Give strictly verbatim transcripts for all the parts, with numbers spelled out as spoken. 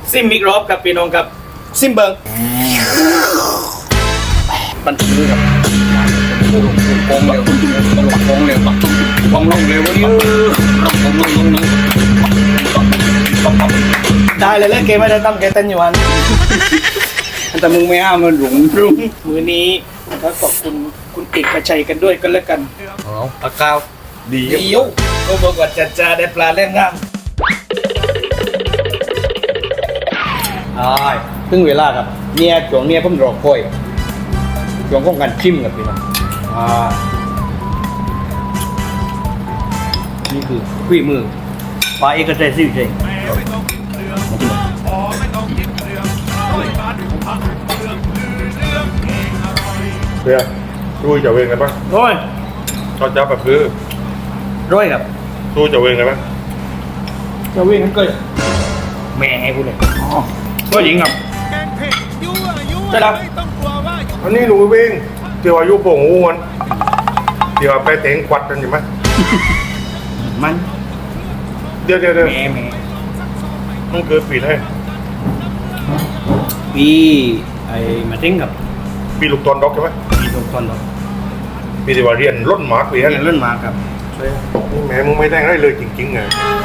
ซิมมิกรอบกับพี่น้องครับซิมเบิงปันมือครับโป่งเร็วโป่งเร็วปักโป่งลงเร็วเยอะโป่งลงลงลงได้เลยแล้วเกมไม่ได้ตั้งแกเต้นอยู่วันแต่มึงไม่อ้ามันหลงรุงมือนี้ก็ขอบคุณคุณเอกชัยกันด้วยกันแล้วกันอ๋อปากกาวดีเยี่ยวก็บอกว่าจัดจ้าได้ปลาเล่นง่ามใช่ถึงเวลาครับเนี่ยช่วงเนี้ยผมรอคอยช่วงของการชิมกับพี่น้องอ่านี่คือฝีมือปลาเอกชัยซิ่งเจงเพื่อรู้จะเวงไงบ้างร้อยก็จะแบบคือร้อยครับรู้จะเวงไงบ้างจะวิ่งกันเกิดแม่ให้กูเลยก็หญิงครับใช่ครับอันนี้หนูเวงเดี๋ยวอายุโป่งอ้วนเดี๋ยวไปเตงควัดกันใช่ไหมมันเดี๋ยวเดี๋ยวเดี๋ยวแม่แม่มันเกิดปีไหนปีไอ้มาทิ้งกับปีลูกตอนดอกใช่ไหมปีตรงตอนเราปีที่ว่าเรียนล้นหมากปีเรีนั้ยนนเล่นมาครับแหมมึงไม่ได้ได้เลยจริงๆไง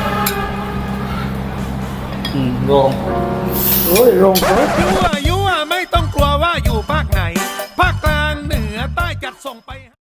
อืมโรงโอ้ยโรงเกิดยั่วยั่วไม่ต้องกลัวว่าอยู่ภาคไหน ภาคกลางเหนือใต้จัดส่งไป